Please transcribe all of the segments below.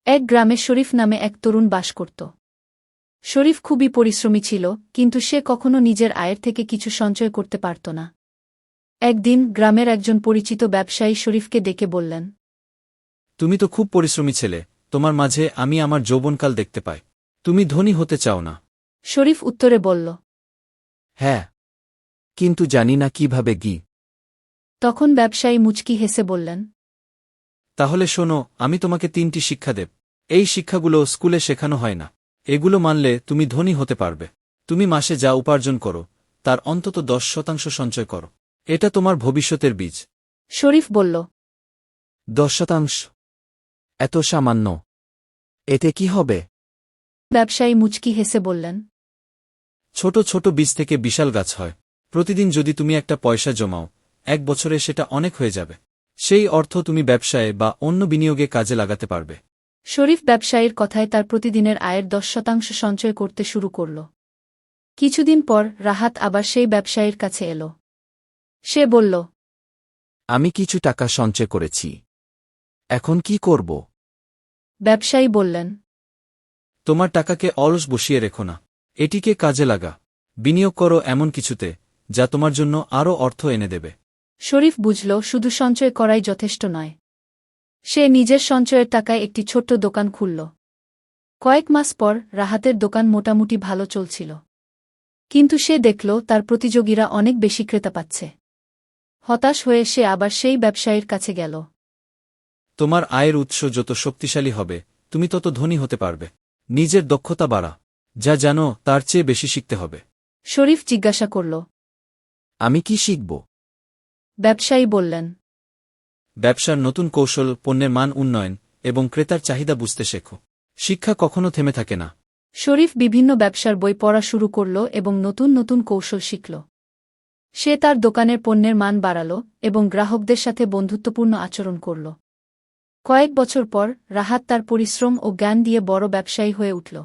এক গ্রামে শরীফ নামে এক তরুণ বাস করত। শরীফ খুবই পরিশ্রমী ছিল, কিন্তু সে কখনো নিজের আয়ের থেকে কিছু সঞ্চয় করতে পারত না। একদিন গ্রামের একজন পরিচিত ব্যবসায়ী শরীফকে ডেকে বললেন, তুমি তো খুব পরিশ্রমী ছেলে, তোমার মাঝে আমি আমার যৌবনকাল দেখতে পাই। তুমি ধনী হতে চাও না? শরীফ উত্তরে বলল, হ্যাঁ, কিন্তু জানি না কিভাবে তখন ব্যবসায়ী মুচকি হেসে বললেন, তাহলে শোনো, আমি তোমাকে 3টি শিক্ষা দেব। এই শিক্ষাগুলো স্কুলে শেখানো হয় না। এগুলো মানলে তুমি ধনী হতে পারবে। তুমি মাসে যা উপার্জন করো তার অন্তত 10% সঞ্চয় করো। এটা তোমার ভবিষ্যতের বীজ। শরীফ বলল, 10%? এত সামান্য? এতে কি হবে? ব্যবসায়ী মুচকি হেসে বললেন, ছোট ছোট বীজ থেকে বিশাল গাছ হয়। প্রতিদিন যদি তুমি একটা পয়সা জমাও, 1 বছরে সেটা অনেক হয়ে যাবে। সেই অর্থ তুমি ব্যবসায় বা অন্য বিনিয়োগে কাজে লাগাতে পারবে। শরীফ ব্যবসায়ীর কথায় তার প্রতিদিনের আয়ের 10% সঞ্চয় করতে শুরু করল। কিছুদিন পর রাহাত আবার সেই ব্যবসায়ীর কাছে এল। সে বলল, আমি কিছু টাকা সঞ্চয় করেছি, এখন কি করব? ব্যবসায়ী বললেন, তোমার টাকাকে অলস বসিয়ে রেখো না, এটিকে কাজে লাগা। বিনিয়োগ করো এমন কিছুতে যা তোমার জন্য আরও অর্থ এনে দেবে। শরীফ বুঝল শুধু সঞ্চয় করাই যথেষ্ট নয়। সে নিজের সঞ্চয়ের টাকায় একটি ছোট্ট দোকান খুলল। কয়েক মাস পর রাহাতের দোকান মোটামুটি ভালো চলছিল, কিন্তু সে দেখল তার প্রতিযোগীরা অনেক বেশি ক্রেতা পাচ্ছে। হতাশ হয়ে সে আবার সেই ব্যবসায়ীর কাছে গেল। তোমার আয়ের উৎস যত শক্তিশালী হবে, তুমি তত ধনী হতে পারবে। নিজের দক্ষতা বাড়া, যা জানো তার চেয়ে বেশি শিখতে হবে। শরীফ জিজ্ঞাসা করল, আমি কি শিখব? ব্যবসায়ী বললেন, ব্যবসার নতুন কৌশল, পণ্যের মান উন্নয়ন এবং ক্রেতার চাহিদা বুঝতে শেখো। শিক্ষা কখনো থেমে থাকে না। শরীফ বিভিন্ন ব্যবসার বই পড়া শুরু করল এবং নতুন নতুন কৌশল শিখল। সে তার দোকানের পণ্যের মান বাড়াল এবং গ্রাহকদের সাথে বন্ধুত্বপূর্ণ আচরণ করল। কয়েক বছর পর রাহাত তার পরিশ্রম ও জ্ঞান দিয়ে বড় ব্যবসায়ী হয়ে উঠল।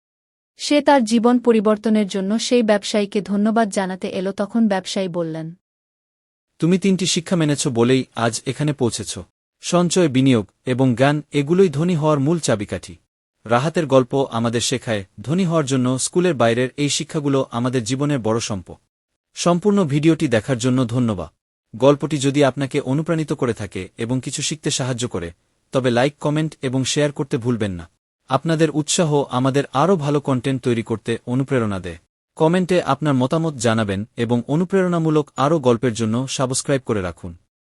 সে তার জীবন পরিবর্তনের জন্য সেই ব্যবসায়ীকে ধন্যবাদ জানাতে এল। তখন ব্যবসায়ী বললেন, তুমি 3টি শিক্ষা মেনেছ বলেই আজ এখানে পৌঁছেছ। সঞ্চয়, বিনিয়োগ এবং জ্ঞান, এগুলোই ধনী হওয়ার মূল চাবিকাঠি। রাহাতের গল্প আমাদের শেখায়, ধনী হওয়ার জন্য স্কুলের বাইরের এই শিক্ষাগুলো আমাদের জীবনের বড় সম্পদ। সম্পূর্ণ ভিডিওটি দেখার জন্য ধন্যবাদ। গল্পটি যদি আপনাকে অনুপ্রাণিত করে থাকে এবং কিছু শিখতে সাহায্য করে, তবে লাইক, কমেন্ট এবং শেয়ার করতে ভুলবেন না। আপনাদের উৎসাহ আমাদের আরও ভালো কন্টেন্ট তৈরি করতে অনুপ্রেরণা দেয়। কমেন্টে আপনার মতামত জানাবেন এবং অনুপ্রেরণামূলক আরও গল্পের জন্য সাবস্ক্রাইব করে রাখুন।